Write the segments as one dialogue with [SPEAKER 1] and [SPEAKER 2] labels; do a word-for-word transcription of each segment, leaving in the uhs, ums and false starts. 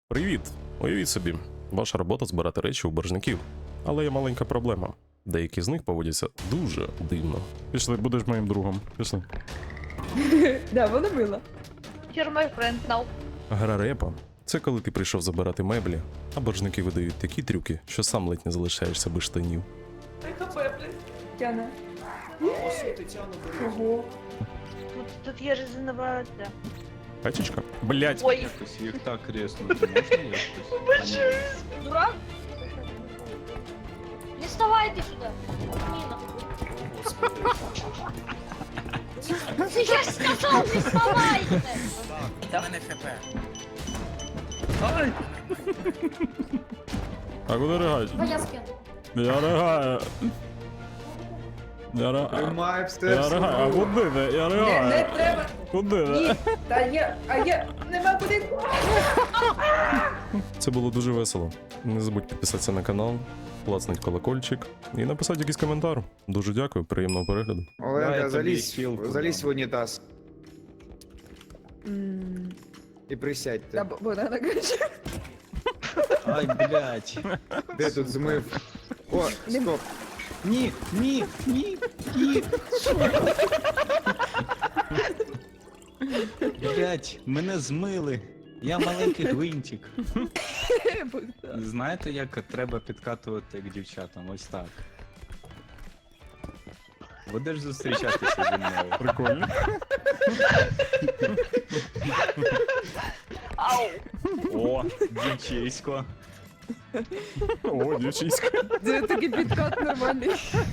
[SPEAKER 1] Привіт! Уявіть собі, ваша робота збирати речі у боржників. Але є маленька проблема. Деякі з них поводяться дуже дивно. Пішли, будеш моїм другом. Пішли.
[SPEAKER 2] Да, воно було.
[SPEAKER 3] You're my friend now.
[SPEAKER 1] Гра репа – це коли ти прийшов забирати меблі, а боржники видають такі трюки, що сам ледь не залишаєшся без штанів.
[SPEAKER 2] Тяна.
[SPEAKER 4] О, Тетяна,
[SPEAKER 2] Ого.
[SPEAKER 3] Тут, тут є резиновата.
[SPEAKER 1] Качечка? Блять!
[SPEAKER 3] Ой,
[SPEAKER 4] якось їх так резнути можна якось?
[SPEAKER 3] дурак.
[SPEAKER 5] Не вставайте сюда. Нина. Я ж сказал, не вставайте.
[SPEAKER 6] У мене хп.
[SPEAKER 1] А куди ригаєш?
[SPEAKER 5] Твоя спина.
[SPEAKER 1] Я ригаю. Я ригаю.
[SPEAKER 7] Тримай все.
[SPEAKER 1] Я ригаю. А куди ти? Я
[SPEAKER 2] Не, не
[SPEAKER 1] ригаю.
[SPEAKER 2] треба.
[SPEAKER 1] Куди
[SPEAKER 2] Ні.
[SPEAKER 1] ти?
[SPEAKER 2] Та є, а є, нема куди.
[SPEAKER 1] Це було дуже весело. Не забудь підписатися на канал, клацнуть колокольчик і написати якийсь коментар. Дуже дякую, приємного перегляду.
[SPEAKER 4] Дай
[SPEAKER 7] Оленка,
[SPEAKER 4] тобі
[SPEAKER 7] залізь,
[SPEAKER 4] хілку
[SPEAKER 7] залізь в
[SPEAKER 4] дам.
[SPEAKER 7] унітаз
[SPEAKER 2] М,
[SPEAKER 7] і присядьте.
[SPEAKER 2] Та бо- Богдана каже.
[SPEAKER 4] Ай, блядь.
[SPEAKER 7] Де тут змив? О,
[SPEAKER 2] Не-
[SPEAKER 7] стоп.
[SPEAKER 4] Ні, ні, ні, ні. Блядь, мене змили. Я маленький гвинтик.
[SPEAKER 2] Богдан.
[SPEAKER 4] Знаєте, як треба підкатувати к дівчатам? Ось так. Будеш зустрічатися зі мною?
[SPEAKER 1] Прикольно.
[SPEAKER 3] Ау.
[SPEAKER 4] О, дівчисько.
[SPEAKER 1] О, дівчиська.
[SPEAKER 2] Це такий підкат нормальний.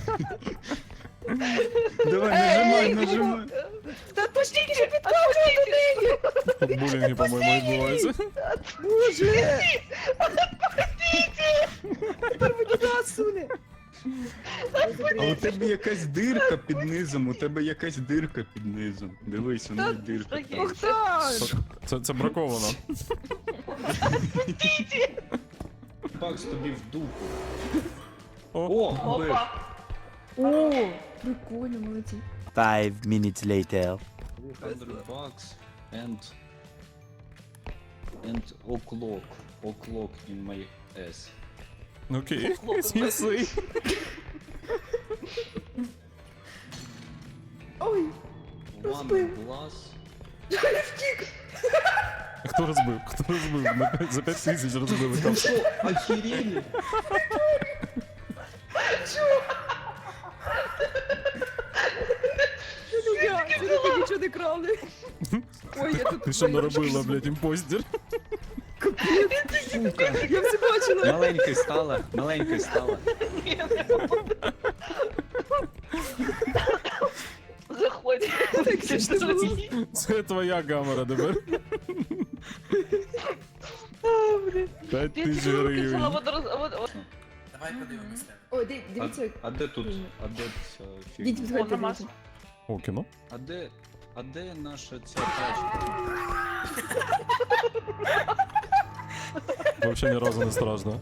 [SPEAKER 4] Давай, нажимай, нажимай.
[SPEAKER 2] Та пустіть же підкат до неї.
[SPEAKER 1] Булінги, по-моєму, відбуваються.
[SPEAKER 2] Боже. Тепер мені нас суне.
[SPEAKER 4] А у тебе якась дирка під низом, у тебе якась дирка під низом. Дивись, у неї дирка. там.
[SPEAKER 2] Богдан.
[SPEAKER 1] Це, це браковано.
[SPEAKER 4] Пакс тобі в дупу.
[SPEAKER 1] О,
[SPEAKER 4] О, бив.
[SPEAKER 3] Опа.
[SPEAKER 2] О, прикольно, молодці.
[SPEAKER 6] Five minutes later.
[SPEAKER 4] двісті bucks and and o'clock o'clock in my ass.
[SPEAKER 1] окей. Сміси.
[SPEAKER 2] Ой,
[SPEAKER 4] One
[SPEAKER 2] Розбив.
[SPEAKER 4] glass.
[SPEAKER 1] Хто розбив? Хто розбив? На п'ять- За п'ять тисяч розбили. Там.
[SPEAKER 4] Що, охерели?
[SPEAKER 2] це я, це не ти нічого не крали. Ой, я тут...
[SPEAKER 1] Ти що наробила, блядь, імпостер?
[SPEAKER 4] Сука.
[SPEAKER 2] Я все бачила.
[SPEAKER 4] Маленький стала, маленький стала.
[SPEAKER 3] Заходь.
[SPEAKER 2] Так смішно було.
[SPEAKER 1] Це твоя камера тепер. П'ять
[SPEAKER 3] Ти
[SPEAKER 1] тисяч
[SPEAKER 3] ці руки взяла,
[SPEAKER 1] гривень.
[SPEAKER 3] вот роз- вот- вот.
[SPEAKER 6] Давай подивимося.
[SPEAKER 2] О, ди-
[SPEAKER 4] А,
[SPEAKER 2] дивіться.
[SPEAKER 4] а де тут? А де ця
[SPEAKER 2] Діть,
[SPEAKER 4] фігня?
[SPEAKER 2] підходьте,
[SPEAKER 3] Вона
[SPEAKER 2] дивіться.
[SPEAKER 1] О, кіно?
[SPEAKER 4] А де, а де наша ця тачка?
[SPEAKER 1] Взагалі ні разу не страшно.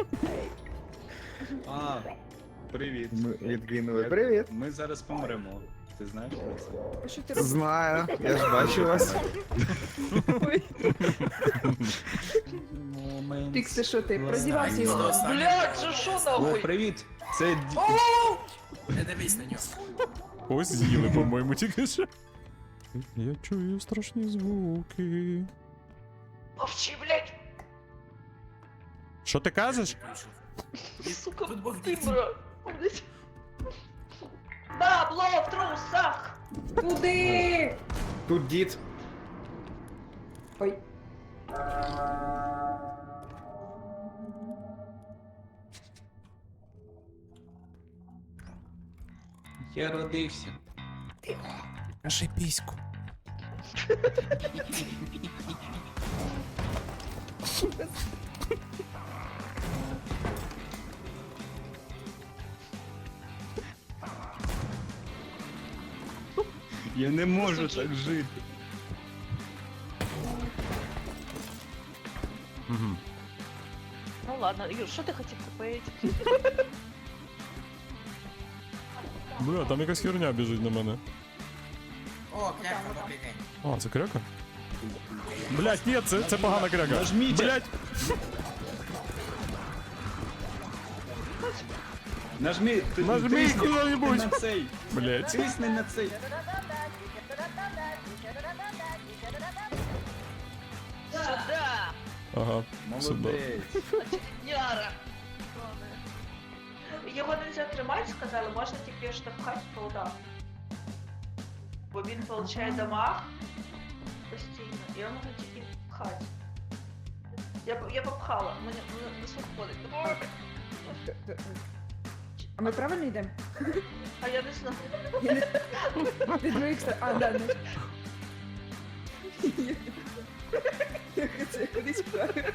[SPEAKER 4] А, привіт.
[SPEAKER 7] Ми відкинули. Привіт.
[SPEAKER 4] Ми зараз помремо. Ти знаєш про це?
[SPEAKER 2] А що ти робиш?
[SPEAKER 7] Знаю, я ж бачу вас.
[SPEAKER 2] Ой,
[SPEAKER 4] Момент.
[SPEAKER 2] Пікс, ти що ти? Продівався
[SPEAKER 6] Ні,
[SPEAKER 2] його.
[SPEAKER 6] сто.
[SPEAKER 3] Блядь, це що
[SPEAKER 4] О,
[SPEAKER 3] нахуй?
[SPEAKER 4] привіт! Це ді...
[SPEAKER 6] Не дивись на нього.
[SPEAKER 1] Ось з'їли, по-моєму, тільки що. Я чую страшні звуки.
[SPEAKER 3] Мовчи, блядь.
[SPEAKER 1] Що ти кажеш?
[SPEAKER 3] Сука,
[SPEAKER 6] Тут був
[SPEAKER 3] ти,
[SPEAKER 6] дід.
[SPEAKER 3] бро. Блядь. Бабло в трусах.
[SPEAKER 2] Куди?
[SPEAKER 7] Тут дід.
[SPEAKER 2] Ой.
[SPEAKER 4] Я родився.
[SPEAKER 1] Кажи піську.
[SPEAKER 4] Я не можу так жити.
[SPEAKER 1] Угу.
[SPEAKER 3] Ну ладно, Юр, що ти хотів купити?
[SPEAKER 1] Бля, там якась херня біжить на мене.
[SPEAKER 6] О, кляка, добрий день.
[SPEAKER 1] А, це кряка? Блять, ні, це, це погана кряга.
[SPEAKER 4] Нажміть.
[SPEAKER 1] Блять,
[SPEAKER 4] Нажми, ти,
[SPEAKER 1] Нажми
[SPEAKER 4] тисни
[SPEAKER 1] куди-небудь.
[SPEAKER 4] на цей.
[SPEAKER 1] блять.
[SPEAKER 4] Тисни на цей.
[SPEAKER 3] Сюда!
[SPEAKER 1] Ага, сюди.
[SPEAKER 4] Молодець.
[SPEAKER 3] Няра! Його нельзя тримати, сказали, можна тільки штовхати в полдах. Бо він получає дамаг постійно, і його можна тільки пхати. Я, п- я попхала, мене мене не виходить.
[SPEAKER 2] А ми правильно йдемо?
[SPEAKER 3] А я не знаю.
[SPEAKER 2] Від моїх ста- А, да, ну. Я хотіла кудись правильно.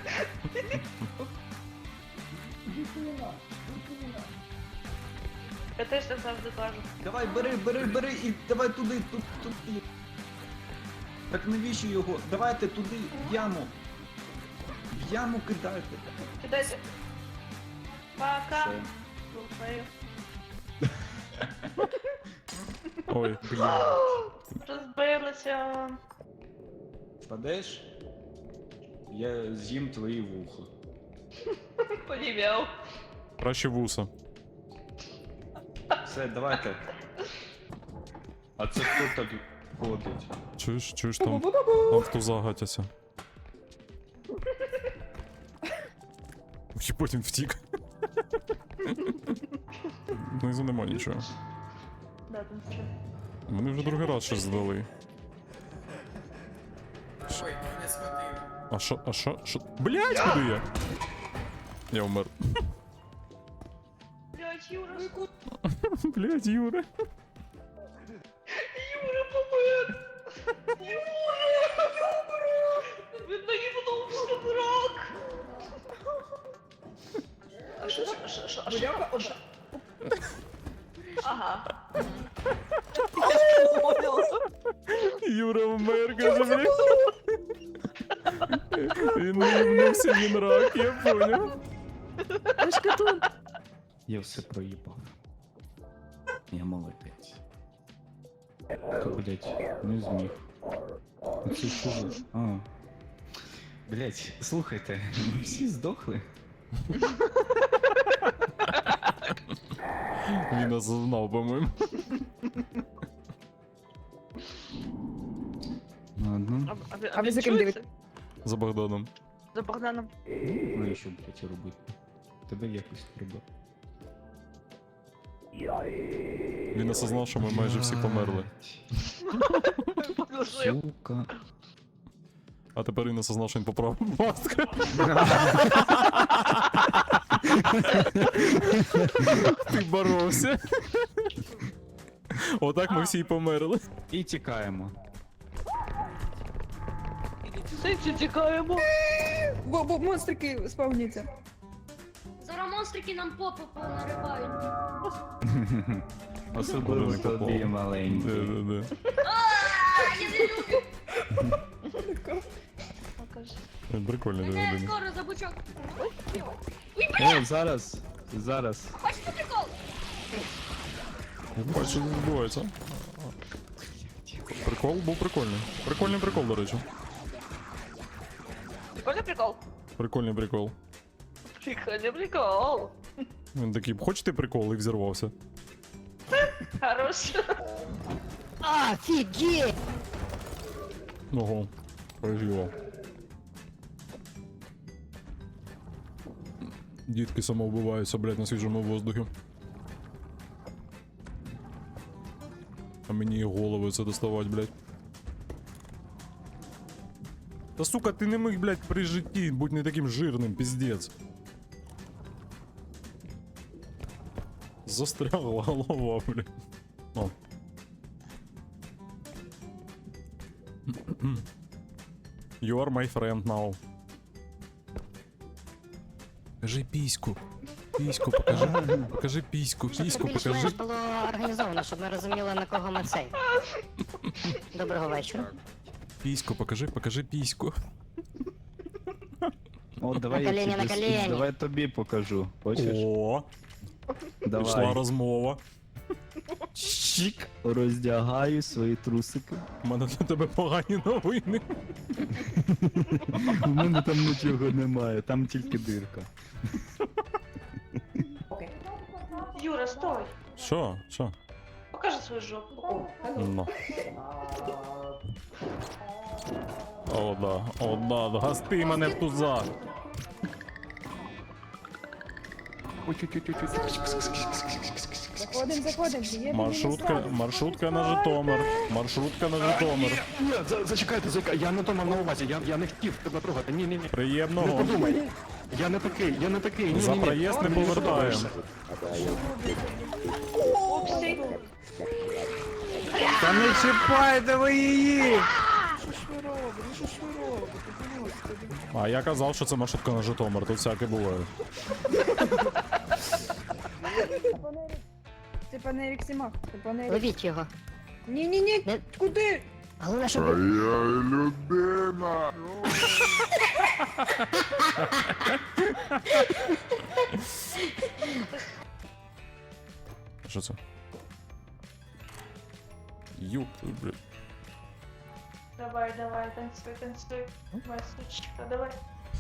[SPEAKER 3] Я теж так завжди кажу.
[SPEAKER 4] Давай, бери, бери, бери і давай туди, тут, туди. Так навіщо його? Давайте туди, в яму. В яму кидайте.
[SPEAKER 3] Кидайте. Пока.
[SPEAKER 4] Все.
[SPEAKER 3] Слухаю.
[SPEAKER 1] Ой,
[SPEAKER 3] Розбилися.
[SPEAKER 4] Впадеш? Я з'їм твої вуха.
[SPEAKER 3] Понім'яв.
[SPEAKER 1] краще вуса.
[SPEAKER 4] Все, давайте. А це хто так ходить?
[SPEAKER 1] Чуєш, чуєш там? Там хто загатяся. І потім втік. Внизу нема нічого.
[SPEAKER 3] Да, там все.
[SPEAKER 1] Вони вже другий раз щось здали.
[SPEAKER 6] Ой, не схватив.
[SPEAKER 1] А що, а що, що? Блять, куди я? Я вмер.
[SPEAKER 3] Блять, Юра,
[SPEAKER 1] Блять, Юра.
[SPEAKER 3] Юра помер! Юра! Він наїбнувся, дурак! А що, що, що, що, а що,
[SPEAKER 2] Бляха,
[SPEAKER 3] а що? Ага.
[SPEAKER 1] Юра вмер, каже, блять. Він наївнувся, він рак, я поняв.
[SPEAKER 4] Я все проїбав. Я молодець. Та, блять, не зміг. Це що за... А. Блять, слухайте, ми всі здохли.
[SPEAKER 1] Він нас знав, по-моєму.
[SPEAKER 4] Ладно.
[SPEAKER 3] А, ви-
[SPEAKER 2] А ви
[SPEAKER 3] він
[SPEAKER 2] за ким
[SPEAKER 3] чується?
[SPEAKER 1] За Богданом.
[SPEAKER 3] За Богданом.
[SPEAKER 4] Ну і що, блять, робити? Тебе якось треба.
[SPEAKER 1] Він осознав, що ми майже всі померли.
[SPEAKER 4] Сука.
[SPEAKER 1] А тепер він осознав, що він поправив маску. Ти боровся. Отак ми всі й померли.
[SPEAKER 4] І тікаємо.
[SPEAKER 3] Сенсі тікаємо.
[SPEAKER 2] Бо, бо монстрики спавняться.
[SPEAKER 5] Зараз монстрики нам попу понаривають.
[SPEAKER 4] Особливо
[SPEAKER 1] Вони
[SPEAKER 4] тобі,
[SPEAKER 1] попали.
[SPEAKER 4] маленький.
[SPEAKER 1] Де-де-де.
[SPEAKER 5] А, я не люблю.
[SPEAKER 3] Покажи.
[SPEAKER 1] Прикольно,
[SPEAKER 5] Мене
[SPEAKER 1] де-де-де.
[SPEAKER 5] скоро за бучок.
[SPEAKER 4] Е, зараз, зараз.
[SPEAKER 5] Хочете прикол?
[SPEAKER 1] Бачу, що відбувається. Прикол був прикольний. Прикольний прикол, до речі.
[SPEAKER 3] Прикольний прикол?
[SPEAKER 1] Прикольний прикол.
[SPEAKER 3] Прикольний прикол.
[SPEAKER 1] Він такий, хочете прикол? І взірвався.
[SPEAKER 3] Хорош.
[SPEAKER 1] Ого. Проживав. Дітки самовбиваються, блядь, на свіжому воздухі. А мені і голови це доставати, блядь. Та сука, ти не міг, блядь, при житті, будь не таким жирним, піздець. Застрягла голова, блядь. О. You are my friend now. Покажи піську. Піську покажи. Покажи піську, піську покажи.
[SPEAKER 8] Більш-менш було організовано, щоб ми розуміли, на кого ми цей. Доброго вечора.
[SPEAKER 1] Піську, покажи, покажи піську.
[SPEAKER 4] О, давай
[SPEAKER 8] На
[SPEAKER 4] я
[SPEAKER 8] коліні,
[SPEAKER 4] тобі,
[SPEAKER 8] на коліні.
[SPEAKER 4] давай тобі покажу. Хочеш?
[SPEAKER 1] О,
[SPEAKER 4] Давай.
[SPEAKER 1] пішла розмова.
[SPEAKER 4] Чик, роздягаю свої трусики.
[SPEAKER 1] У мене для тебе погані новини.
[SPEAKER 4] У мене там нічого немає, там тільки дирка.
[SPEAKER 3] Юра, стой!
[SPEAKER 1] Що? Що?
[SPEAKER 3] Покажи свою жопу.
[SPEAKER 1] Ну. О, да, о, да, гасти мене в туза.
[SPEAKER 2] Заходим, заходим. Є
[SPEAKER 1] Маршрутка, маршрутка на Житомир. Маршрутка на Житомир.
[SPEAKER 9] Ні, за- зачекайте, зачекайте, я не то мав на увазі, я, я не хотів тебе трогати, ні, ні, ні. Не
[SPEAKER 1] Приємного.
[SPEAKER 9] подумай. Я не такий, я не такий, ні, ні,
[SPEAKER 1] За
[SPEAKER 9] ні.
[SPEAKER 1] проїзд не
[SPEAKER 9] Ти мені
[SPEAKER 1] повертаємо.
[SPEAKER 9] подобаєшся.
[SPEAKER 3] Упсі.
[SPEAKER 7] Та не чіпайте ви її!
[SPEAKER 1] А я казав, що це маршрутка на Житомир, тут всяке буває.
[SPEAKER 2] Це пане Еріксімах. Це пане Ерік.
[SPEAKER 8] Ловіть його.
[SPEAKER 2] Ні-ні-ні,
[SPEAKER 8] Не-
[SPEAKER 2] куди?
[SPEAKER 8] Головне, щоб...
[SPEAKER 1] Що це? Юп, блядь.
[SPEAKER 3] Давай, давай, танцуй, танцуй. Моя сучка, давай.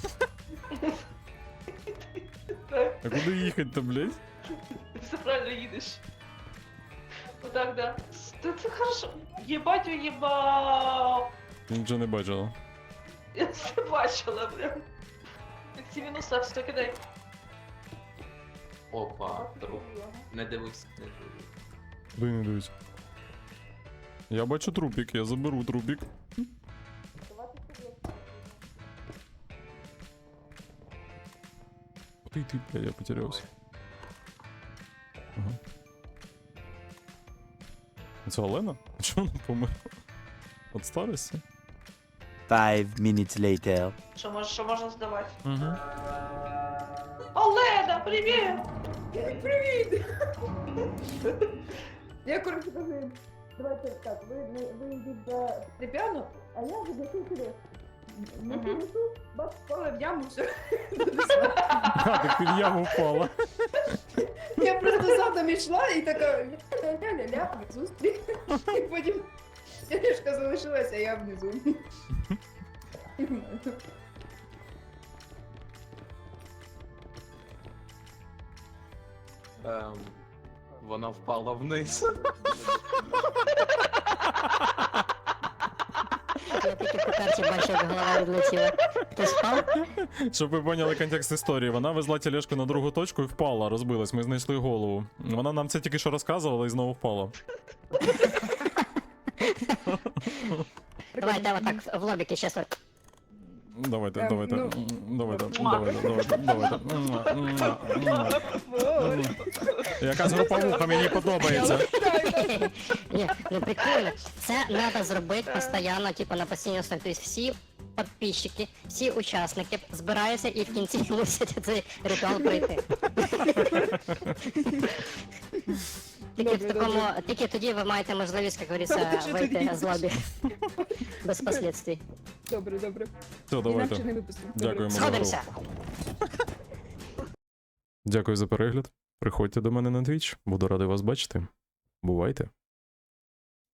[SPEAKER 1] А куди їхати-то, блядь?
[SPEAKER 3] Все правильно їдеш. Вот так, да. Ты, ты хорошо. Ебать, уебал.
[SPEAKER 1] Нічого не бачила.
[SPEAKER 3] Я все бачила, прям. Ці мінуса, все кидай.
[SPEAKER 6] Опа, труп. Не дивись, не дивись.
[SPEAKER 1] Куди не дивись. Я бачу трупик, я заберу трупик. Ты, ты, бля, я потерялся. Ага. Це Олена? А чому вона померла? От старості?
[SPEAKER 10] Five minutes later.
[SPEAKER 3] Що, мож, що можна здавати?
[SPEAKER 1] Угу.
[SPEAKER 3] Олена, привіт!
[SPEAKER 2] Привіт! Я коротше кажу, давайте так, ви, ви, ви йдіть до Трепяну, а я буду сюди. Не
[SPEAKER 3] Мгм.
[SPEAKER 2] принесу, бац, впали в яму, все.
[SPEAKER 1] А, ти під яму впала.
[SPEAKER 2] Я просто задом йшла і така ля-ля-ля-ля, зустріч. І потім Сережка залишилася, а я внизу.
[SPEAKER 6] Ем, вона впала вниз.
[SPEAKER 8] Я тільки по карті бачив, як голова відлетіла. Ти спав?
[SPEAKER 1] Щоб ви поняли контекст історії, вона везла тележку на другу точку і впала, розбилась, ми знайшли голову. Вона нам це тільки що розказувала і знову впала.
[SPEAKER 8] Давайте отак в лобіки щас. от.
[SPEAKER 1] Давайте,
[SPEAKER 2] Ем,
[SPEAKER 1] давайте,
[SPEAKER 2] ну.
[SPEAKER 1] м, давайте, давайте, давайте, давайте. Муа, муа, муа. Якась груповуха мені подобається.
[SPEAKER 8] Ні, ну прикольно. Це треба зробити постійно, типу на постійній основі. Тобто всі підписчики, всі учасники збираються і в кінці мусять цей ритуал пройти. Тільки в
[SPEAKER 2] Добре,
[SPEAKER 8] такому, тільки тоді ви маєте можливість, як говориться,
[SPEAKER 2] Що
[SPEAKER 8] вийти
[SPEAKER 2] тоді?
[SPEAKER 8] з лобі. Без последствий.
[SPEAKER 2] Добре, добре.
[SPEAKER 1] Все,
[SPEAKER 2] Інакше
[SPEAKER 1] давайте.
[SPEAKER 2] не випустимо.
[SPEAKER 1] Дякуємо за гру.
[SPEAKER 8] Сходимося.
[SPEAKER 1] Дякую за перегляд. Приходьте до мене на Twitch, буду радий вас бачити. Бувайте.